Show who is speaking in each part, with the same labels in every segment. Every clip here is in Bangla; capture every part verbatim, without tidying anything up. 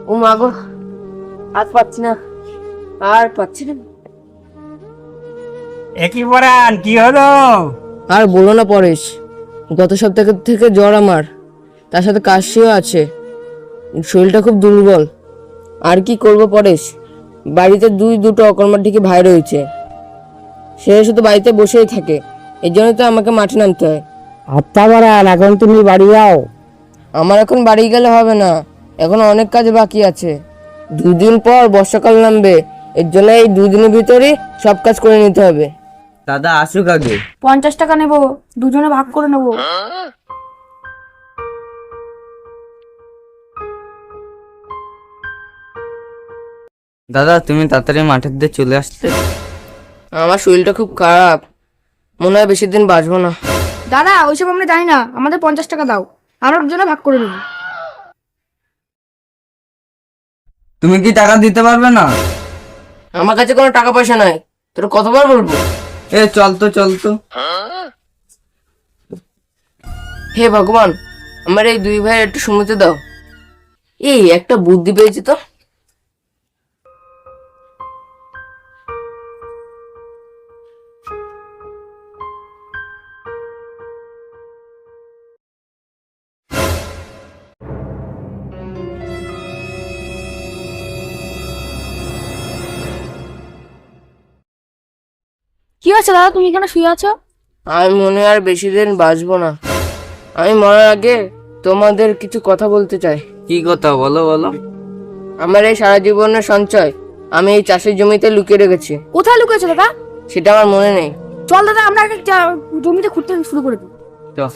Speaker 1: ও মা গো, আর পাচ্ছি না, আর পাচ্ছি না।
Speaker 2: একই পরান কি হলো?
Speaker 1: আর বলো না পরেশ, গত সপ্তাহ থেকে জ্বর আমার, তার সাথে কাশিও আছে, শরীরটা খুব দুর্বল। আর কি করব পরেশ, বাড়িতে দুই দুটো অকর্মার ভাই রয়েছে, সে শুধু বাড়িতে বসেই থাকে, এই জন্য তো আমাকে মাঠে নামতে হয়।
Speaker 2: আত্মা পরান, এখন তুমি বাড়ি যাও।
Speaker 1: আমার এখন বাড়ি গেলে হবে না, এখন অনেক কাজ বাকি আছে। দুদিন পর বর্ষাকাল নামবে, এর জন্য এই দুদিনের ভিতরে সব কাজ করে নিতে হবে।
Speaker 3: দাদা আসুক আগে।
Speaker 4: পঞ্চাশ টাকা নেব, দুজনে ভাগ করে নেব।
Speaker 3: দাদা তুমি তাড়াতাড়ি মাঠের দিয়ে চলে আসতে।
Speaker 1: আমার শরীরটা খুব খারাপ, মনে হয় বেশি দিন বাঁচবো না।
Speaker 4: দাদা ওইসব আমরা জানি না, আমাদের পঞ্চাশ টাকা দাও, আমরা দুজনে ভাগ করে নেব।
Speaker 3: তুমি কি টাকা দিতে পারবে না?
Speaker 1: আমার কাছে কোনো টাকা পয়সা নাই, তোর কতবার বলবো?
Speaker 3: এ চল তো চল তো।
Speaker 1: হে ভগবান, আমার এই দুই ভাইয়ের একটু শুনতে দাও। এই একটা বুদ্ধি পেয়েছি তো।
Speaker 4: কি হয়েছে দাদা, তুমি এখানে শুয়ে আছো?
Speaker 1: আমি মনে হয় আর বেশি দিন বাঁচবো না। আমি মরার আগে তোমাদের কিছু কথা বলতে চাই।
Speaker 3: কি কথা বলো বলো।
Speaker 1: আমার এই সারা জীবনের সঞ্চয় আমি এই চাষের জমিতে লুকিয়ে রেখেছি।
Speaker 4: কোথায় লুকিয়েছো দাদা?
Speaker 1: সেটা আমার মনে নেই।
Speaker 4: চল দাদা, আমরা আগে যা- জমিতে খুঁড়তে শুরু করে দিই।
Speaker 3: চল।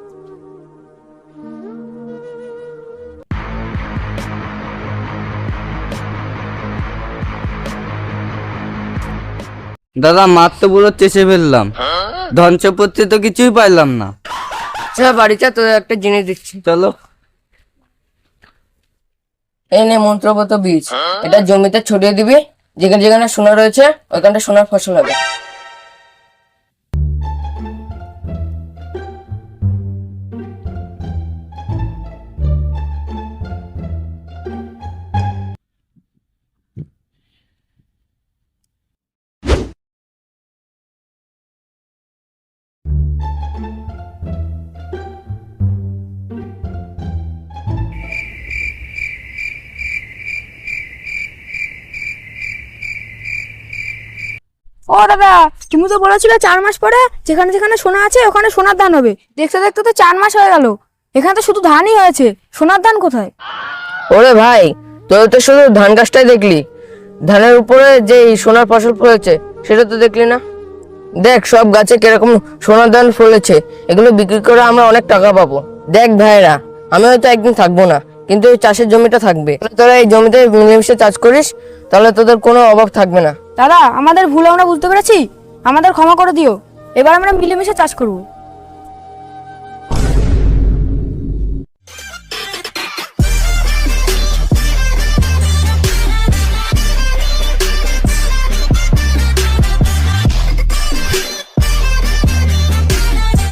Speaker 3: দাদা মাঠ তো পুরো চেষে ফেললাম, ধন সম্পত্তি তো কিছুই পাইলাম না।
Speaker 1: আচ্ছা বাড়ি চা, তোদের একটা জিনিস দিচ্ছি।
Speaker 3: চলো।
Speaker 1: এই নে মন্ত্রগত বীজ, এটা জমিতে ছড়িয়ে দিবি, যেখানে যেখানে সোনা রয়েছে ওইখানটা সোনার ফসল হবে।
Speaker 4: ও দাদা, তুমি তো বলেছিলে চার মাস পরে যেখানে যেখানে সোনা আছে ওখানে সোনার ধান হবে। দেখতে দেখতে তো চার মাস হয়ে গেল, এখানে তো শুধু ধানই হয়েছে, সোনার ধান কোথায়?
Speaker 1: ওরে ভাই, তোর তো শুধু ধান গাছটাই দেখলি, ধানের উপরে যে এই সোনার ফসল ফলেছে সেটা তো দেখলি না। দেখ সব গাছে কিরকম সোনার ধান ফলেছে, এগুলো বিক্রি করে আমরা অনেক টাকা পাবো। দেখ ভাইরা, আমি হয়তো একদিন থাকবো না, কিন্তু এই চাষের জমিটা থাকবে। তোরা এই জমিতে মিলেমিশে চাষ করিস, তাহলে তোদের কোনো অভাব থাকবে না।
Speaker 4: দাদা আমাদের ভুল আমরা বুঝতে পেরেছি, আমাদের ক্ষমা করে দিও, এবার আমরা মিলেমিশে চাষ করবো।